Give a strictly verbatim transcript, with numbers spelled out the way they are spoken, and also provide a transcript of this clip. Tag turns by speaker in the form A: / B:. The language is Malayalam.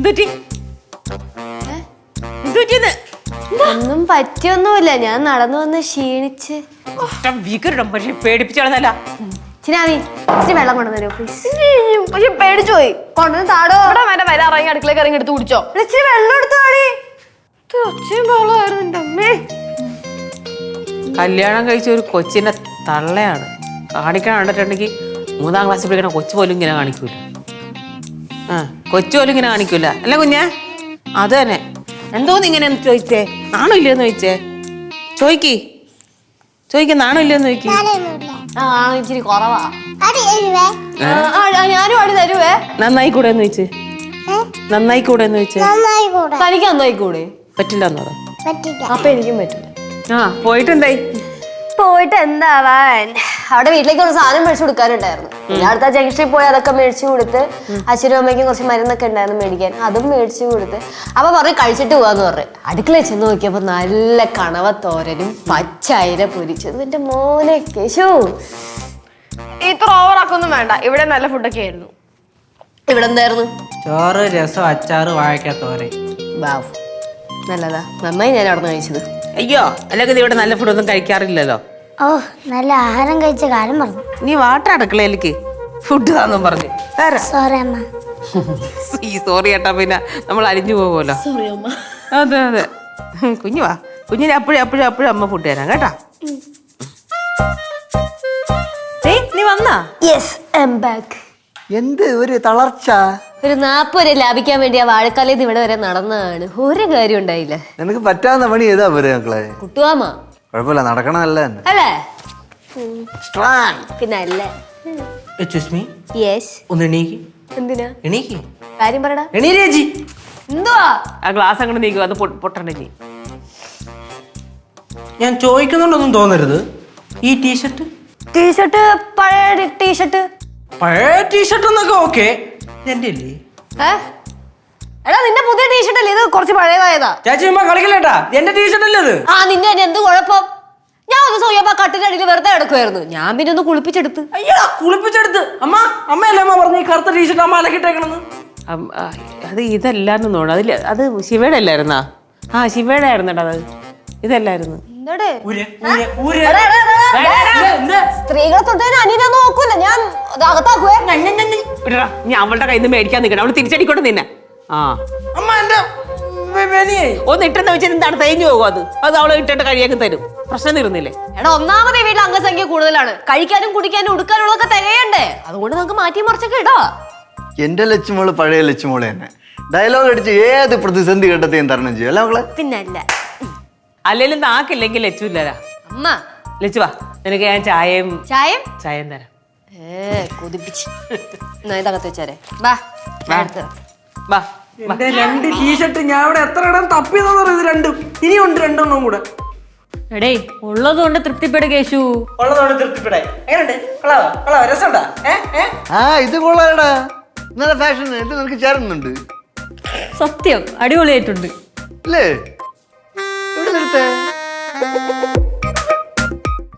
A: ഒന്നും പറ്റിയൊന്നുമില്ല, ഞാൻ നടന്നു വന്ന് ക്ഷീണിച്ച്.
B: പക്ഷെ പേടിപ്പിച്ചാണെന്നല്ല.
A: ചിനാമി ഇച്ചിരി വെള്ളം കൊണ്ടുവന്നോ പ്ലീസ്. പക്ഷെ പേടിച്ചു പോയി. കൊണ്ടുവന്ന് താടോ.
C: വരെ വരെ ഇറങ്ങി അടുക്കളേക്ക് ഇറങ്ങി എടുത്ത് കുടിച്ചോ.
A: ഇച്ചിരി വെള്ളം എടുത്തു താടി. ഒച്ചയും ബഹളമായിരുന്നു എൻ്റെ അമ്മേ.
B: കല്യാണം കഴിച്ച ഒരു കൊച്ചിന്റെ തള്ളയാണ് കാണിക്കാൻ കണ്ടിട്ടുണ്ടെങ്കിൽ മൂന്നാം ക്ലാസ്സിൽ പഠിക്കണ കൊച്ചു പോലും ഇങ്ങനെ കാണിക്കൂല. ആ കൊച്ചു പോലും ഇങ്ങനെ കാണിക്കൂല അല്ല കുഞ്ഞെ. അത് തന്നെ. എന്തോന്ന് ഇങ്ങനെ ചോദിച്ചേ? നാണോ ഇല്ലയെന്ന് ചോദിച്ചേ? ചോദിക്കി ചോദിക്ക നാണോ ഇല്ലയെന്ന് ചോദിക്കി.
A: ആ ഇച്ചിരി കുറവാ. ഞാനും അടി തരുവേ.
B: നന്നായി കൂടെ എന്ന് ചോദിച്ചേ. നന്നായി കൂടെ എന്ന് ചോദിച്ചേ.
A: തനിക്ക് നന്നായി കൂടെ?
B: പറ്റില്ല എന്നോ?
A: അപ്പൊ എനിക്കും പറ്റില്ല.
B: ആ പോയിട്ട് എന്തായി?
A: പോയിട്ട് എന്താവാൻ, അവിടെ വീട്ടിലേക്ക് കുറച്ച് സാധനം മേടിച്ചു കൊടുക്കാനുണ്ടായിരുന്നു. ഞാൻ അടുത്ത ജംഗ്ഷനിൽ പോയി അതൊക്കെ മേടിച്ചു കൊടുത്ത്, അച്ഛനും അമ്മയ്ക്കും കുറച്ച് മരുന്നൊക്കെ ഉണ്ടായിരുന്നു മേടിക്കാൻ, അതും മേടിച്ചു കൊടുത്ത്. അപ്പൊ പറഞ്ഞു കഴിച്ചിട്ട് പോവാന്ന് പറഞ്ഞു. അടുക്കളയിൽ ചെന്ന് നോക്കിയപ്പോ നല്ല കണവത്തോരനും പച്ചയില പൊരിച്ചതും. എന്റെ മോനെ കേശു,
C: ഇത്ര ഓവറാക്കൊന്നും വേണ്ട. ഇവിടെ നല്ല ഫുഡൊക്കെ ആയിരുന്നു.
A: ഇവിടെ എന്തായിരുന്നു?
D: ചോറ്, രസം, അച്ചാറ്, വാഴക്കാത്തോരൻ.
A: ബാവ് നല്ലതാ, നന്നായി ഞാൻ അവിടെ നിന്ന് കഴിച്ചത്.
B: അയ്യോ അല്ലെങ്കിൽ ഇവിടെ നല്ല ഫുഡൊന്നും കഴിക്കാറില്ലല്ലോ.
E: ഓ നല്ല ആഹാരം കഴിച്ച കാലം പറഞ്ഞു.
B: നീ വാട്ടർ അടുക്കളയിലേക്ക് ഫുഡ് താന്നും പറഞ്ഞു തരാം.
E: സോറി അമ്മ.
B: ഈ സോറി ഏട്ടാ, പിന്നെ നമ്മൾ അരിഞ്ഞു പോകുമല്ലോ. അതെ അതെ. കുഞ്ഞു വാ, കുഞ്ഞിന് അപ്പോഴും അപ്പോഴും അപ്പോഴും അമ്മ ഫുഡ് തരാം കേട്ടാ. നീ വന്നാ?
A: Yes I am back.
F: എന്ത് ഒരു തളർച്ച?
A: ഒരു നാപ്പ് വരെ ലാഭിക്കാൻ വേണ്ടി ആ വാഴക്കാലയിൽ ഇവിടെ വരെ നടന്നതാണ്. ഒരു കാര്യം ഉണ്ടായില്ല.
F: നിനക്ക് പറ്റാവുന്ന പണി ഏതാ പോരെ മക്കളെ?
A: കുട്ടുവാമ
F: കുഴപ്പമില്ല, നടക്കണമല്ല തന്നെ
A: അല്ലേ? പിന്നെ അല്ലേ? യെസ്.
D: ഒന്ന് എണീക്ക്.
A: എന്തിനാ?
D: എണീക്ക്.
A: കാര്യം പറടാ.
D: എണീരേജി.
A: എന്തുവാ?
B: ആ ഗ്ലാസ് അങ്ങോട്ട് നീക്കും, അത് പൊട്ടണ്ടെങ്കിൽ.
D: ഞാൻ ചോദിക്കുന്നുണ്ടൊന്നും തോന്നരുത്. ഈ ടീഷർട്ട്
A: ടീഷർട്ട് പഴയ ടീഷർട്ട്.
D: പഴയ ടീഷർട്ട് എന്നൊക്കെ ഓക്കെ, എന്റെ അല്ലേ?
A: എടാ നിന്റെ പുതിയ ടീഷർട്ട് അല്ലേ ഇത്? കുറച്ച് പഴയതായതാ.
D: ചേച്ചി അമ്മ കളിക്കല്ലേട്ടാ, എന്റെ ടീഷർട്ട് അല്ലേ ഇത്?
A: ആ നിന്റെ തന്നെ എന്ത് കുഴപ്പം? ഞാൻ ഒന്ന് സോയപ്പ കട്ടിന്റെ അടിയിൽ വെറുതെ കിടക്കുമായിരുന്നു. ഞാൻ പിന്നെ ഒന്ന് കുളിപ്പിച്ചെടുത്ത്.
D: അയ്യോ കുളിപ്പിച്ചെടുത്ത്. അമ്മ അമ്മയല്ലേ അമ്മ പറഞ്ഞു ഈ കറുത്ത ടീഷർട്ട് അമ്മ അലക്കിട്ടേക്കണെന്ന്?
B: അത് ഇതല്ലാന്ന് തോന്നുന്നു. അതില് അത് ശിവയുടെ അല്ലായിരുന്നാ? ആ ശിവയുടെ ആയിരുന്നേട്ടാ അത്. ഇതല്ലായിരുന്നു.
A: സ്ത്രീകളെ തൊട്ടതിന് അനിയനെ നോക്കൂല ഞാൻ. അകത്താക്കുവേ.
B: ഞാൻ അവളുടെ കയ്യിൽ നിന്ന് മേടിക്കാൻ നിൽക്കണം. അവള് തിരിച്ചടിക്കൊണ്ട് നിന്നെ. ആ
D: അമ്മ എന്റെ
B: ഒന്ന് ഇട്ടെന്ന് വെച്ചാൽ എന്താണ് തേഞ്ഞു പോകും. അത് അത് അവളെ ഇട്ടിട്ട് കഴിയാൻ തരും. പ്രശ്നം തീർന്നില്ലേ?
A: എടാ ഒന്നാമത് വീട്ടിൽ അംഗസംഖ്യ കൂടുതലാണ്. കഴിക്കാനും കുടിക്കാനും ഉടുക്കാനുള്ളതൊക്കെ തികയണ്ടേ? അതുകൊണ്ട് നമുക്ക് മാറ്റി മറിച്ചൊക്കെ ഇടാ.
F: എന്റെ ലച്ചുമോള് പഴയ ലച്ചുമോള് തന്നെ. ഡയലോഗ് അടിച്ച് ഏത് പ്രതിസന്ധി ഘട്ടത്തെയും തരണം ചെയ്യും അല്ല മക്കളെ?
A: പിന്നല്ല.
B: അല്ലെങ്കിലും നാക്കില്ലെങ്കിൽ ലച്ചുല്ലരാ.
A: അമ്മ
B: ലച്ചു വാ, നിനക്ക് ഞാൻ ചായയും
A: ചായം
B: ചായം തരാം.
A: ഏ കൊതിപ്പിച്ച്. ഇതകത്ത് വെച്ചാരെ ബാ.
B: വാ
D: എന്റെ രണ്ട് ടീഷർട്ട് ഞാൻ ഇവിടെ എത്ര ഇടം തപ്പിയതെന്ന് ഇത് രണ്ടും. ഇനിയുണ്ട് രണ്ടെണ്ണം കൂടെ.
C: എടേ ഉള്ളത് കൊണ്ട് തൃപ്തിപ്പെട് കേശു.
D: ഉള്ളതോടെ തൃപ്തിപ്പെടായി. എങ്ങനെയുണ്ട്? കൊള്ളാവോ? കൊള്ളാവോ? രസമുണ്ടാ?
F: ആ ഇത് കൊള്ളാടാ, നല്ല ഫാഷൻ. ഇത് നിനക്ക് ചേരുന്നുണ്ട്.
C: സത്യം അടിപൊളിയായിട്ടുണ്ട്
F: അല്ലേ? എവിടെ നിർത്തേ?